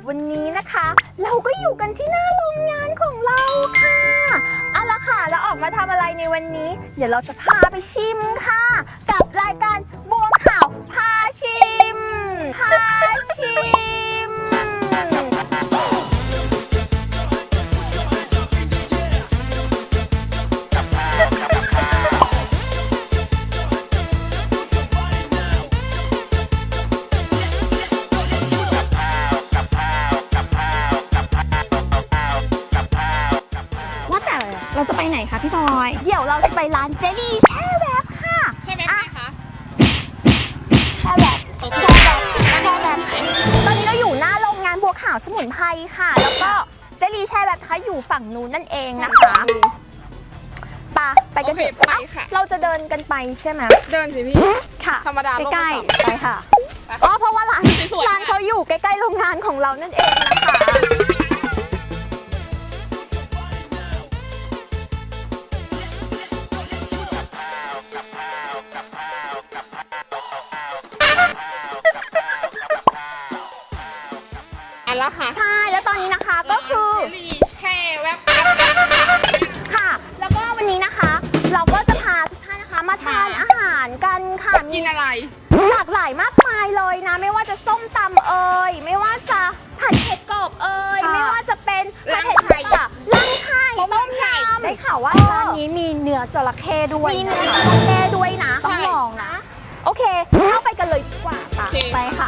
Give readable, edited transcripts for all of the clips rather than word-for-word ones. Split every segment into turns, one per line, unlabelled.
วันนี้นะคะเราก็อยู่กันที่หน้าโรงงานของเราค่ะเอาละค่ะเราออกมาทำอะไรในวันนี้เดี๋ยวเราจะพาไปชิมค่ะกับรายการบัวขาวพาชิม
เราจะไปไหนคะพี่บอย
เดี๋ยวเราจะไปร้านเจลี่แช่แวบค่ะ
ใช่ไหมคะ
แช่แวบตอนนี้เราอยู่หน้าโรงงานบัวขาวสมุนไพรค่ะแล้วก็เจลี่แช่แวบคะอยู่ฝั่งนู้นนั่นเองนะคะไปกันเถอะ
ไปค่ะ
เราจะเดินกันไปใช่ไหม
เดินสิพี่
ค่ะ
ธรรมดา
ใกล้ๆไปค่ะ
อ๋อเพราะว่าร้าน
สวยๆ
ร้านเขาอยู่ใกล้ๆโรงงานของเรานั่นเองนะคะ
อันละค่ะ
ใช่แล้วตอนนี้นะคะก็คือ
เจลลี่แช่แวบ
ค่ะ แล้วก็วันนี้นะคะ เราก็จะพาทุกท่านนะคะมาทานอาหารกันค่ะ
กินอะไร
หลากหลายมากมายเลยนะ ไม่ว่าจะส้มตำเอ่ยไม่ว่าจะผัดเผ็ดกรอบเอ่ย
ค่ะ
ไม่ว่าจะเป็นผัดเผ็ดปลาลังไข่
ต้มไข่
ยำ
ได้ข่าวว่าร้านนี้มีเนื้อจระเข้ด้วย
มีเนื้อจระเข้ด้วยนะ
ต้องลองนะ
โอเคเข้าไปกันเลยดีกว่าค่ะ
โอเค
ไปค่ะ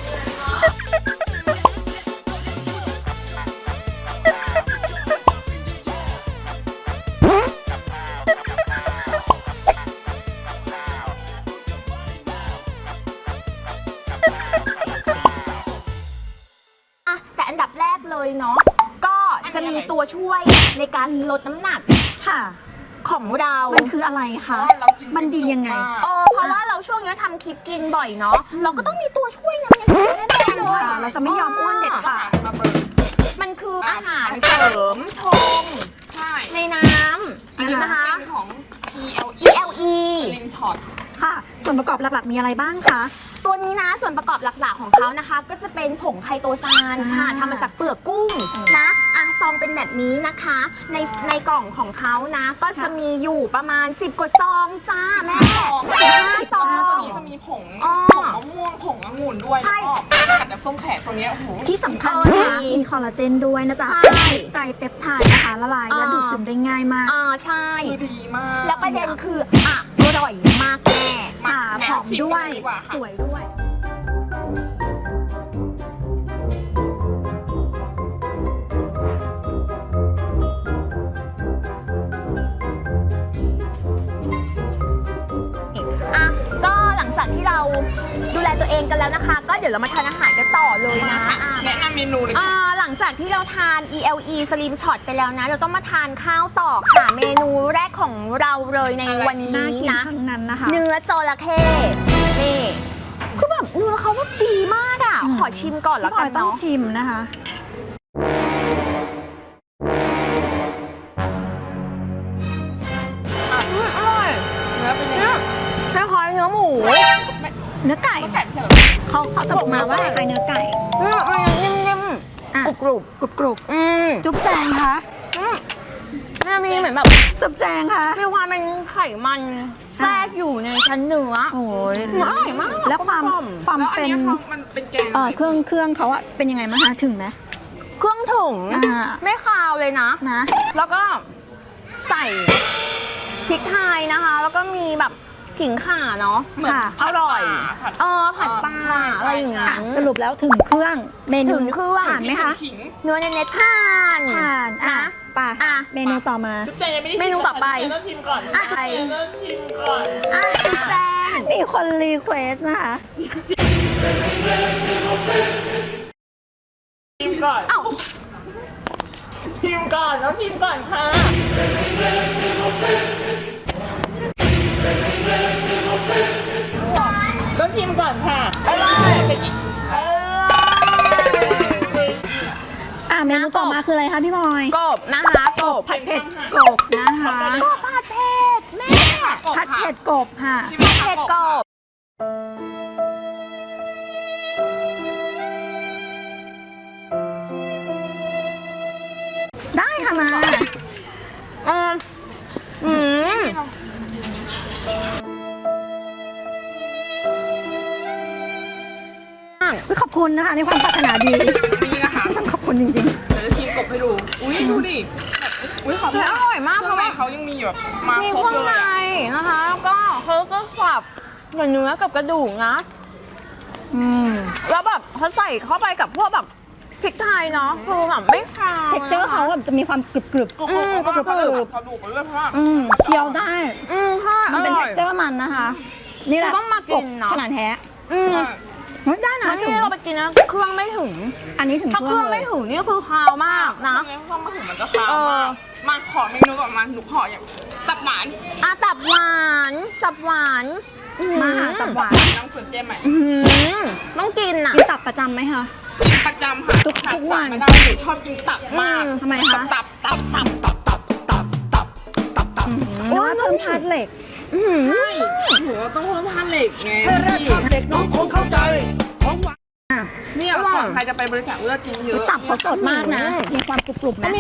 อะแต่อันดับแรกเลยเนาะก็จะมีตัวช่วยในการลดน้ำหนัก
ค่ะ
ของเรา
มันคืออะไรคะ มันดียังไง
เพราะว่าเราช่วงนี้ทำคลิปกินบ่อยเนาะเราก็ต้องมีตัวช่วยนั้นแน่ๆเลย
ค่ะเราจะไม่ยอมอ้วนเด็ดขาด
มาเปิด
มันคืออาหารเสริมชง
ใช่
ในน้
อัน
ำ
นี้
นะคะ
เป็นของ ELE
ELE
ลิมช็อต
ค่ะ ส่วนประกอบหลักๆมีอะไรบ้างคะ
ตัวนี้นะส่วนประกอบหลักๆของเขานะคะ ก็จะเป็นผงไคโตซานค่ะทำมาจากเปลือกกุ้งนะซองเป็นแบบนี้นะคะ ในกล่องของเขานะ ก็จะมีอยู่ประมาณ10กว่าซองจ้าแม่15ซอง
ตัวนี้จะมีผง
อ๋อ
มะม่วงผงองุ่นด้วย
ใช่
แล้วก็ผัดจากส้มแขกตัวเนี้ยโอ้โห
ที่สำคัญนะคะ
ดี
มีคอลลาเจนด้วยนะจ๊ะ
ใช่
ไตรเปปไทด์นะคะละลายและดูดซึมได้ง่ายมาก
ใช่
คือดีมาก
แล้วประเด็นคืออร่อยมากแม่
ค่ะผอมด้วย
ชิมกันเลยดีกว่าค่ะ
สวยด้วย
ก็หลังจากที่เราดูแลตัวเองกันแล้วนะคะ ก็เดี๋ยวเรามาทานอาหารกันต่อเลยนะคะอ่ะ
แนะนำเมนูเลย
หลังจากที่เราทาน ELE Slim Shot ไปแล้วนะ เราต้องมาทานข้าวต่อค่ะ เมนูแรกของเราเลยในวัน
น่า
นี้
กิน
นะ
ทั้งนั้นนะคะ
เนื้อจระเข้นี่คือแบบเนื้อเขาแบบดีมากอ่ะ ขอชิมก่อน
พี่
แล้ว
บ
กั
อน ยต้อง
เนาะ
ชิมนะคะ
อร่อย
เนื้อเป็นยังไง
คล้ายๆเนื้อหมู
เนื้อไก่
ต้องไก่ไม่ใช่เหรอ
เขาจะบอกมาว่าคล้ายๆเนื้อไก่
นิ่ม
อ่ะ
ๆกรุบ
กรุบ
ๆ
จุ๊บแจงคะ
น่ามีเหมือนแบบ
จุ๊บแจงคะ
มีความเป็นไขมันแทรกอยู่ในชั้นเนื้อ
โอ้ย
อร่อยมาก
แล้วความ
กลม
ความ
แล้วอัน
เป็น
เนี้ยเขามันเป็นแกง
เครื่องเขาอะเป็นยังไงบ้างคะถึงไหม
เครื่องถุง
อ่า
ไม่คาวเลยนะ
นะ
แล้วก็ใส่พริกไทยนะคะ แล้วก็มีแบบขิงข่าเนาะ
เหมือน
ค่ะ
ผัด
อร่อย
ผัด
ผัดปลา
ใช่
อะไรอย่างเงี้ย
สรุปแล้วถึงเครื่องเมนู
ถึงเครื่อง
ผ่านไหมคะ
ขิง
เนื้อเน็ตๆผ่าน
ผ่านอ่ะ
นะ
ไป่ะ
อ่ะ
เมนูต่อมา
เจยังไม่ได้
เมนูต่อไป
เจต้องชิมก่อน
อ่ะ
เจต้องชิมก่อน
แจง
มีคนรีเควสนะคะ
ชิมก่อน
เอ้า
ชิมก่อนต้องชิมก่อนค่ะต้องชิมก่อนค่ะอร่อยเป็นอีก
เมนูต่อมาคืออะไรคะพี่บอย
กบนะคะกบ
ผัดเผ็ดกบนะคะ
กบผัดเผ็ดแม่
ผัดเผ็ดกบค่ะ
ผัดเผ็ดกบ
ขอบคุณนะคะในความปรารถนาดี
นี่นะคะ
ต้องขอบคุณจริง
เดี๋ยวจะชิมกบให้ดู อุ้ยดูดิอุ้ยขอบคุณ
อร่อยมาก
เครื่องในเขายังมีแบบมา
มี
ครบ
เครื่อง
เล
ใน
ยอะ
นะคะ แล้วก็เขาก็สับเนื้อกับกระดูกนะ
ๆ อืม
แล้วแบบเขาใส่เข้าไปกับพวกแบบพริกไทยเนาะคือแบบไม่คาว
เท็กเจอร์เขาแบบจะมีความกรึบ
กรุบๆเพราะว่ากระดูกไปด้วยเพราะว่า
ๆอืมเคี้ยวได้
ใช่
มันเป็น
อร่
เท็
อย
กเจอร์มันนะคะ นี่แหละ
ต้องมากินเนอะ
ขนาดแท้
อืม
เฮ้ยได้นะ
แล้ว
ถึง
ที่เราไปกินนะเครื่องไม่ถึง
อันนี้ถึง
ถ้า
เค
เค
รื่
รื่
อ
อง ง
เล
ไม่
ย
ถึงนี่คือคาวมากนะ
ยังไงเข้ามาถึงมันก็คาว
เออ
มากมาขอเมนูก่อนมาหนูขออย่างตับหวาน
ตับหวานตับหวาน
มาหาตับหวาน
น้องสนใจไหม
อื้อหือต้องกินอ่ะ
กินตับประจำไหมคะ
ประจำค่ะ
ทุกวัน
ไม่ได้หนูชอบกินตับมาก
ทำไมคะ
ตับ
นึกว่าเพิ่มธาตุเหล็ก
ใช่หนูต้องเพิ่มธาตุเหล็กไง
ให้แรกทำเด็กน้องคงเข้าใจ ของหวาน
เนี่ยก่อนใครจะไปบริจาคเลือดกินเยอะ
ตับเขาสดมากนะ มีความกรุบๆนะ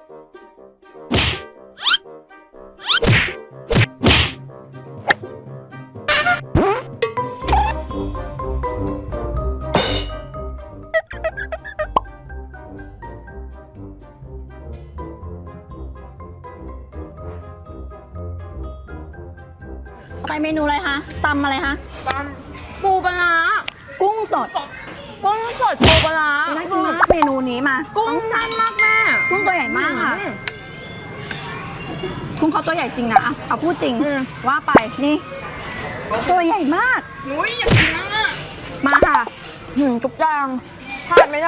ไปเมนูอะไรคะตำอะไรคะ
ตาม
ปูปลาร้า
กุ้งสด
กุ้งสดปูปลาร้า
น่ากินมากเมนูนี้มา
กุ้งจันมากแม่
กุ้งตัวใหญ่มากค่ะ กุ้งเขาตัวใหญ่จริงนะเอาพูดจริง ว่าไป นี่ ตัวใหญ่มาก
หนูอยากกินมาก
มาค่ะ
ทุกอย่างพลาดไม่ได้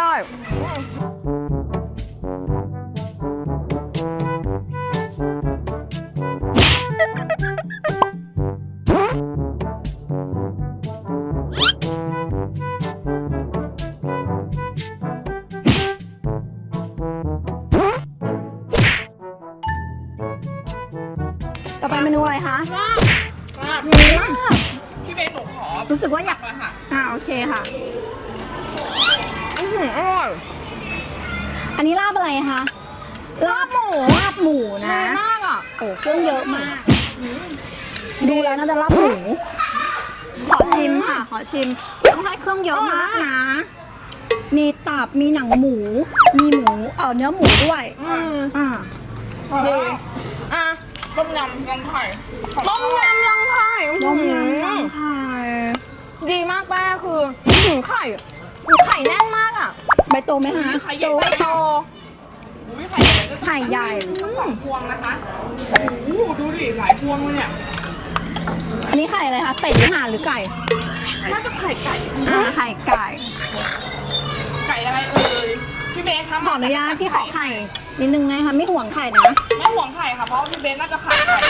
ต่อไปเมนูอะไรคะ
มาก
ลาบ
พี่เบนหนูขอ
รู้สึกว่าอยาก
เลยค่ะ
โอเคค่ะ
อร่อย
อันนี้ลาบอะไรคะ ลาบหมู ลาบหมูนะ
ดีมากอ่ะ
โอ้เครื่องเยอะมาก ดูแล้วน่าจะลาบหมู ขอชิมค่ะ ขอชิมเขาให้เครื่องเยอะมากนะ มีตับ มีหนังหมู มีหมู เนื้อหมูด้วย อ่า
ดี
อ่ะ
ต้มยำยังไข่ของ
ต้มยำยังไข่
ต้มยำยำไข่
ดีมากแม่คือไข่ไข่แน่นมากอ่ะ
ใบโตไหมคะ
ไข่ใหญ่
ใบโต
อุ้ยไข่ใหญ่ก็
ไข่ใหญ่
ทั้งสองพวงนะคะโอ้โหดูดิหลายพวงเลยเนี่ย
อันนี้ไข่อะไรคะ เป็ดหรือห่านหรือไก่
น่าจะไข่ไก่
ไข่ไก่
ไก่อะไรเอ่ยพี่เบนคะ
ขออนุญาตพี่ขอไข่นิดนึงนะคะ ไม่ห่วงไข่นะ
ไม่ห่วงไข่ค่ะเพราะว่าพี่เบนน่าจะขาดไข่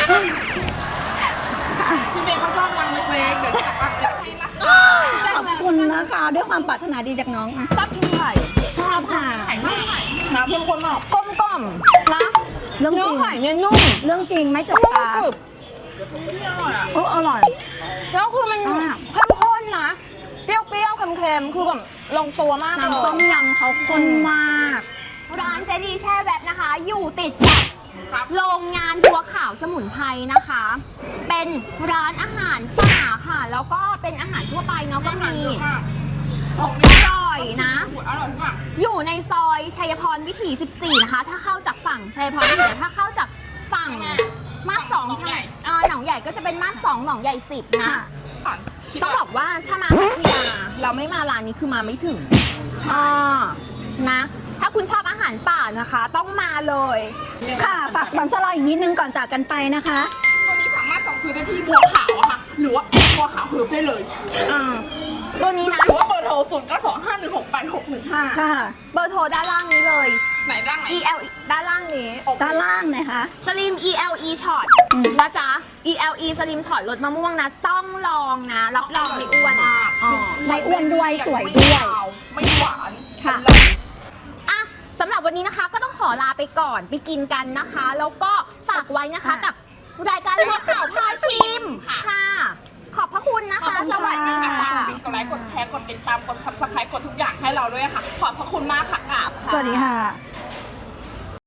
พี่เบนเขาชอบยังเล็กๆเดี๋ยวจะอัพเดี๋ยวให้นะคะ
ขอบคุณนะคะ ด้วยความปรารถนาดีจากน้องนะ
ชอบกินไข่
ชอบค่ะ
ไข่มากน้ำเพิ่มข้นมาก
กลมๆนะ
เรื่องจ
เนื้
ริ
อง ไข่เนี่ยนุ่ม
เรื่องจริงไม่จับ
นุ่ม
ตาก
รึบ
ที่อร่อยอ่ะ
โอ้อร่อย
แล้วคือมันเข้มข้นนะ เปรี้ยวๆเค็มๆคือแบบลงตัวมากเล
น้ำต้
ย
มยำเขาข้นมาก
ร้านเจดีแช่แวบนะคะ อยู่ติดกับ
ครับ
โรงงานบัวขาวสมุนไพรนะคะ เป็นร้านอาหารป่าค่ะ แล้วก็เป็นอาหารทั่วไปเนาะก็มี
เยอะมากของ
อ
ดี
ร่อยนะ
อร่อยมาก
อยู่ในซอยชัยพรวิถี 14 นะคะ ถ้าเข้าจากฝั่งชัยพรวิถีแต่ถ้าเข้าจากฝั่งมาสสอง
หนองใหญ่
หนองใหญ่ก็จะเป็นมาสสองหนองใหญ่10นะ
ค่ะ
ต้องบอกว่าถ้ามาพัทยาเราไม่มาร้านนี้คือมาไม่ถึงนะ ถ้าคุณชอบอาหารป่านะคะ ต้องมาเลย
ค่ะ ฝากสปอนเซอร์เราอีกนิดนึงก่อนจากกันไปนะคะ
ตัวนี้สามารถสั่งซื้อได้ที่บัวขาวอะค่ะ หรือว่าแอปบัวขาวเฮิร์บได้เลย
ตัวนี้นะ
หรือว่าเบอร์โทร0925168615
ค่ะ
เบอร์โทรด้านล่างนี้เลย
ไหนร่างไหน
EL ด้านล่างนี้
ด้านล่างนะคะ
Slim ELE Short นะจ๊ะ ELE Slim Short รสมะม่วงนะ ต้องลองนะ รับรองไม่อ้วนอ๋อ
ไม่อ้วนด้วยสวยด้วย
ไม่หวาน
ค่ะ
อ่ะสำหรับวันนี้นะคะก็ต้องขอลาไปก่อนไปกินกันนะคะ แล้วก็ฝากไว้นะคะกับรายการบัวขาวพาชิมค่ะ ขอบพระคุณนะ
ขอบ
คะ
คุณ
สวัสดี
ค่ะ
ค่ะ
กดไลค์ กดแชร์ กดติดตาม กด subscribe กดทุกอย่างให้เราด้วยค่ะ ขอบพระคุณมากค่ะกราบค่ะ
สวัสดีค่ะ